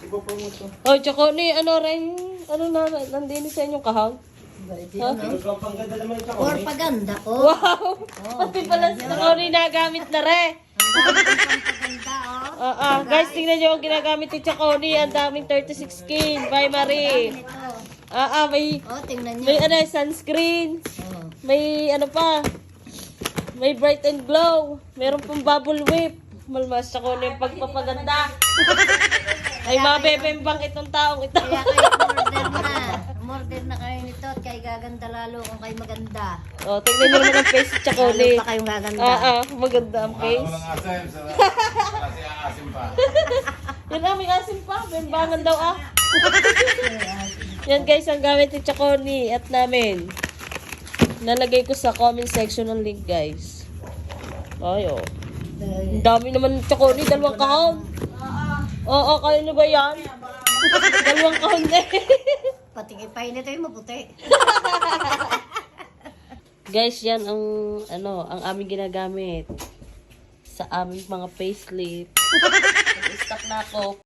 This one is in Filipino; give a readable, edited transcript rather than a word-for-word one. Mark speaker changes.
Speaker 1: ipopromote ko.
Speaker 2: Oh, tsaka ni, ano rin, ano na, nandini sa inyong kahang?
Speaker 1: Ito ang pangganda naman ito.
Speaker 3: Or paganda ko.
Speaker 2: Wow! Pati pala sa tsaka ni nagamit na rin.
Speaker 3: Ang dami kong pampaganda, oh.
Speaker 2: Guys, tingnan nyo ang ginagamit ni Chaconi. Ang daming 36 skin. Bye, Marie.
Speaker 3: Ito.
Speaker 2: May,
Speaker 3: Oh, tingnan
Speaker 2: may
Speaker 3: niyo.
Speaker 2: ano, sunscreen.
Speaker 3: Oh.
Speaker 2: May ano pa. May bright and glow. Meron pang bubble whip. Malmas Chaconi yung pagpapaganda. Ay, mabebembang itong taong ito.
Speaker 3: Kaya kayo umorder na. Umorder na kayo nito at kayo gaganda lalo kung kayo maganda.
Speaker 2: Oh, tingnan nyo naman ang face ni
Speaker 3: Lalo
Speaker 2: Chaconi.
Speaker 3: pa kayong gaganda.
Speaker 2: Maganda ang face.
Speaker 4: Walang asim. Kasi asim pa.
Speaker 2: Yan may asim pa. Bembangan daw Yan guys, ang gamit ni Chaconi at namin. Nalagay ko sa comment section ng link guys. Ay, oh. Ang dami naman ni Chaconi, dalawang kahon. Oo, kayo nyo ba yan? Dalawang kahon eh.
Speaker 3: Pati ipay nito yung maputi.
Speaker 2: Guys, yan ang ang aming ginagamit sa aming mga facelift. Nag-stock na ako.